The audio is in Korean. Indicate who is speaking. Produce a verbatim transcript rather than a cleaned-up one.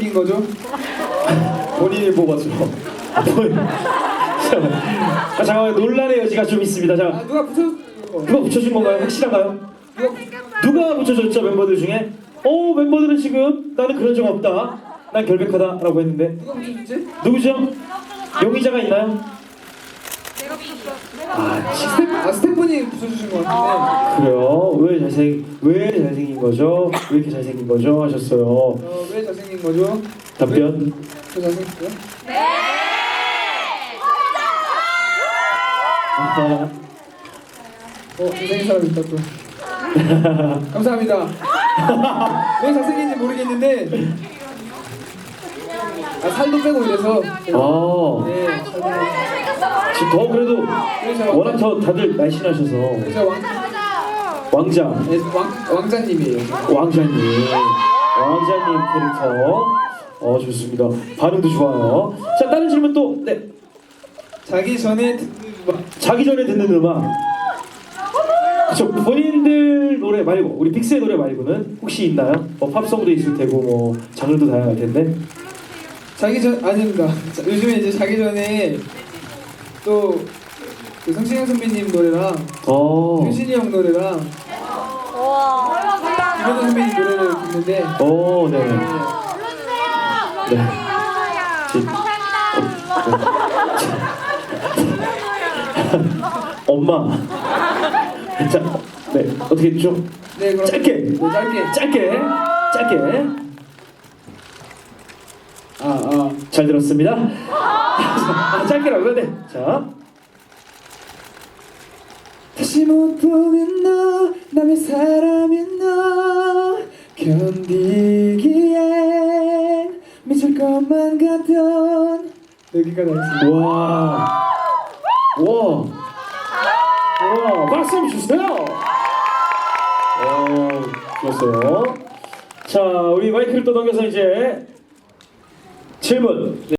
Speaker 1: 잘생긴 거죠?
Speaker 2: 본인이 뽑았죠. 아, 잠깐만, 논란의 여지가 좀 있습니다. 자,
Speaker 1: 아 누가 붙여?
Speaker 2: 누가 붙여준 건가요? 확실한가요?
Speaker 1: 누가
Speaker 2: 누가 붙여줬죠, 멤버들 중에? 어, 멤버들은 지금 나는 그런 적 없다, 난 결백하다라고 했는데
Speaker 1: 누가 붙여줬지?
Speaker 2: 누구죠? 용의자가 있나요?
Speaker 1: 아 스텝 아 스태프분이 붙여주신 것 같은데.
Speaker 2: 그래요? 왜 잘생 왜 잘생긴 거죠? 왜 이렇게 잘생긴 거죠? 하셨어요.
Speaker 1: 어왜 잘생긴 거죠?
Speaker 2: 답변.
Speaker 1: 저 잘생겼어요?
Speaker 2: 아하.
Speaker 1: 어 잘생긴 사람 있다 또. 감사합니다. 왜 잘생긴지 모르겠는데 아 살도 빼고 이래서.
Speaker 2: 아,
Speaker 1: 네. 살도 빼고.
Speaker 2: 지금 더 그래도
Speaker 1: 그래서
Speaker 2: 워낙 더 다들 날씬하셔서
Speaker 1: 그래서 왕
Speaker 2: 왕자,
Speaker 1: 네, 왕 왕자님이에요.
Speaker 2: 왕자님, 왕자님 캐릭터. 어, 좋습니다. 반응도 좋아요. 자, 다른 질문 또. 네.
Speaker 1: 자기 전에 듣는 음악.
Speaker 2: 자기 전에 듣는 음악. 그쵸, 본인들 노래 말고 우리 빅스의 노래 말고는 혹시 있나요? 뭐 팝송도 있을 테고 뭐 장르도 다양할 텐데.
Speaker 1: 자기 전 아닙니다. 자, 요즘에 이제 자기 전에 또 그 성시경 선배님 노래랑
Speaker 2: 어.
Speaker 1: 효진이 형 노래랑 김현우 선배님 노래를 듣는데.
Speaker 2: 어, 네. 네. 지- 엄마. 자, 네, 어떻게 좀
Speaker 1: 네 그럼
Speaker 2: 짧게.
Speaker 1: 네, 짧게.
Speaker 2: 짧게, 짧게.
Speaker 1: 아 아.
Speaker 2: 잘 들었습니다. 아, 짧게라고요? 네. 자.
Speaker 1: 다시 못 보는 너 남의 사람인 너 견디기엔 미칠 것만 같던 여기까지 하겠습니다.
Speaker 2: 와. 와. 와, 박수 한번 주세요. 어, 좋았어요. 자, 우리 마이크를 또 넘겨서 이제 질문.